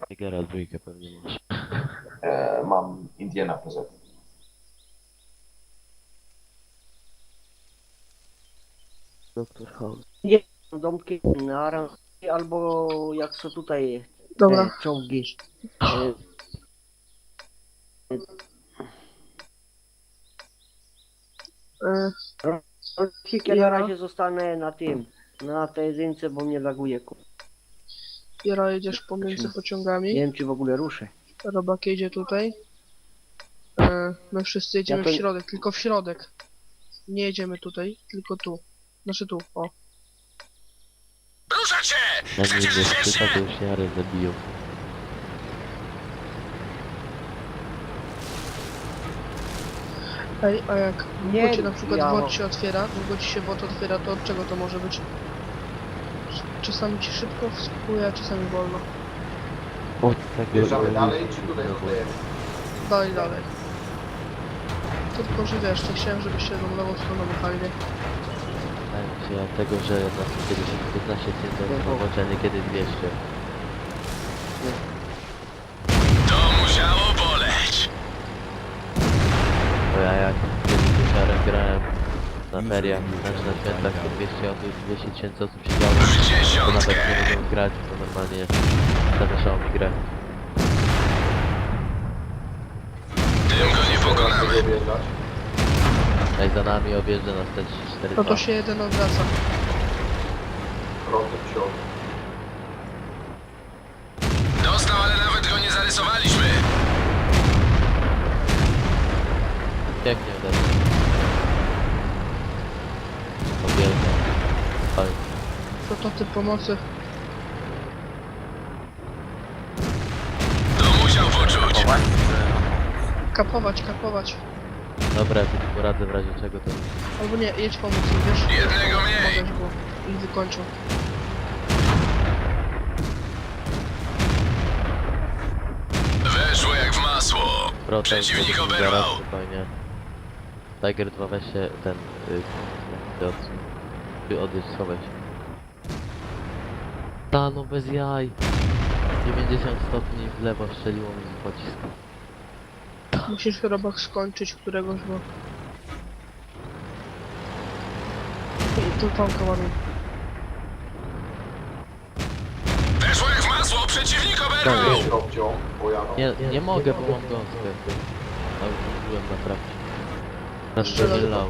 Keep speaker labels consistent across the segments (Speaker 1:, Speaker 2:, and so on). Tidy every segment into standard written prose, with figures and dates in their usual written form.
Speaker 1: Tigera dwójkę pewnie masz.
Speaker 2: Mam Indiana PZ.
Speaker 1: Doktor House.
Speaker 3: Nie, domki na aranżacji, albo jak są tutaj
Speaker 4: Dobra.
Speaker 3: czołgi. E,
Speaker 4: E,
Speaker 3: Rolsik, ja na
Speaker 4: Ja-
Speaker 3: razie zostanę na tym, na tej jedynce, bo mnie laguje.
Speaker 4: Jaro, jedziesz pomiędzy
Speaker 3: Nie
Speaker 4: pociągami.
Speaker 3: wiem, czy w ogóle ruszę.
Speaker 4: Robak jedzie tutaj. My wszyscy jedziemy
Speaker 3: Ja to-
Speaker 4: w środek, tylko w środek. Nie jedziemy tutaj, tylko tu. Znaczy tu, o.
Speaker 5: Ruszać się!
Speaker 1: Na nim
Speaker 5: Chcecie
Speaker 1: jest
Speaker 5: śmiesznie?
Speaker 1: pyta, to już Jarę zabiją.
Speaker 4: Ej, a jak
Speaker 3: Nie,
Speaker 4: długo ci na przykład
Speaker 3: ja-
Speaker 4: WOD się otwiera, długo ci się WOD otwiera, to od czego to może być? Czasami ci szybko wskakuje, a czasami wolno.
Speaker 1: Od tego...
Speaker 2: Wjeżdżamy dalej, czy tutaj zostajemy?
Speaker 4: Dalej, dalej. Tylko, że wiesz, nie chciałem, żebyście tą lewą stroną jechali, nie?
Speaker 1: Tak, ja tego, że na kiedyś 15 cm, a niekiedy 200.
Speaker 5: To musiało boleć.
Speaker 1: Bo ja jak kiedyś z Jarem grałem na feriach, znaczy na świętach, to 200 osób, 200 tysięcy osób siedziało.
Speaker 5: W
Speaker 1: To nawet
Speaker 5: dziesiątkę.
Speaker 1: nie mogą grać, to normalnie zawieszało mi grę.
Speaker 5: Tym go nie pokonamy.
Speaker 2: Tego wjeżdżać.
Speaker 1: Jak za nami objeżdża nas te 4
Speaker 4: No to się jeden odwraca.
Speaker 2: Rotek wsiąść.
Speaker 5: Dostał, ale nawet go nie zarysowaliśmy.
Speaker 1: Pięknie uderzył. Objeżdża. Ale
Speaker 4: Prototyp pomocy.
Speaker 5: To musiał poczuć.
Speaker 4: Kapować, kapować.
Speaker 1: dobra, ja tu poradzę w razie czego to...
Speaker 4: Albo nie, jedź pomóc im, wiesz?
Speaker 5: Jednego mniej.
Speaker 4: Pomagać, bo ich wykończą.
Speaker 5: Weszło jak w masło. Przeciwnik oberwał.
Speaker 1: Spokojnie. Tiger 2 weź się ten... odjedź, schowaj się. Ta no bez jaj. 90 stopni w lewo strzeliło mi z pocisku.
Speaker 4: Musisz robak skończyć któregoś, bo... I tu tam ładuj.
Speaker 5: Weszło jak w masło. Przeciwnik oberwał.
Speaker 2: Jedź Robcio, pojadą.
Speaker 1: Nie mogę, bo mam gąskę. A już byłem naprawdę. Na
Speaker 4: Strzelaj.
Speaker 1: strzelał.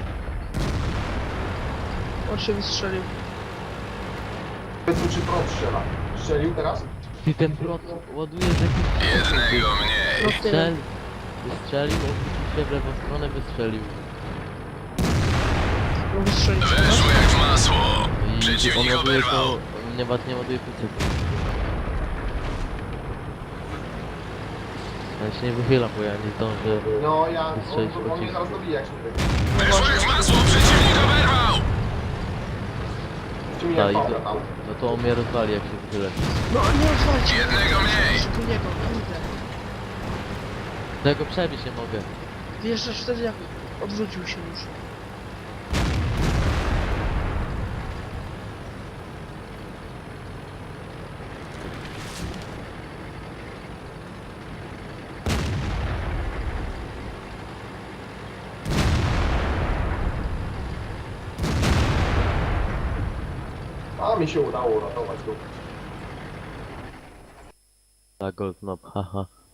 Speaker 4: On się wystrzelił.
Speaker 2: Powiedz mi, czy prąd strzela. Strzelił teraz?
Speaker 1: Ty ten prąd ładuje z jakimś...
Speaker 5: Jednego mniej.
Speaker 4: No tyle.
Speaker 1: Wystrzelił, obrócił się w lewą stronę, wystrzelił.
Speaker 4: No wystrzelił.
Speaker 5: Weszło jak w masło.
Speaker 1: I
Speaker 5: Przeciwnik
Speaker 1: on ładuje
Speaker 5: oberwał.
Speaker 1: to... Nie ładuje kucyku. Ja się nie wychylam, bo ja nie zdążę.
Speaker 2: No ja,
Speaker 1: Wystrzelić
Speaker 2: on mnie
Speaker 1: pocisk.
Speaker 2: zaraz dobija jak się tutaj.
Speaker 5: Weszło jak w masło. Przeciwnik oberwał.
Speaker 2: Czy mi
Speaker 1: Ta,
Speaker 2: jak
Speaker 1: i
Speaker 2: pałka
Speaker 1: to,
Speaker 2: tam?
Speaker 1: no to on mnie rozwali jak się wychylę.
Speaker 4: No nie otwarcie.
Speaker 5: Jednego mniej.
Speaker 4: Tu niego, kurde.
Speaker 1: Tego przebić nie mogę.
Speaker 4: Wjeżdżasz wtedy jak odwrócił się już.
Speaker 2: A mi się udało uratować go.
Speaker 1: Ta gold knob, haha.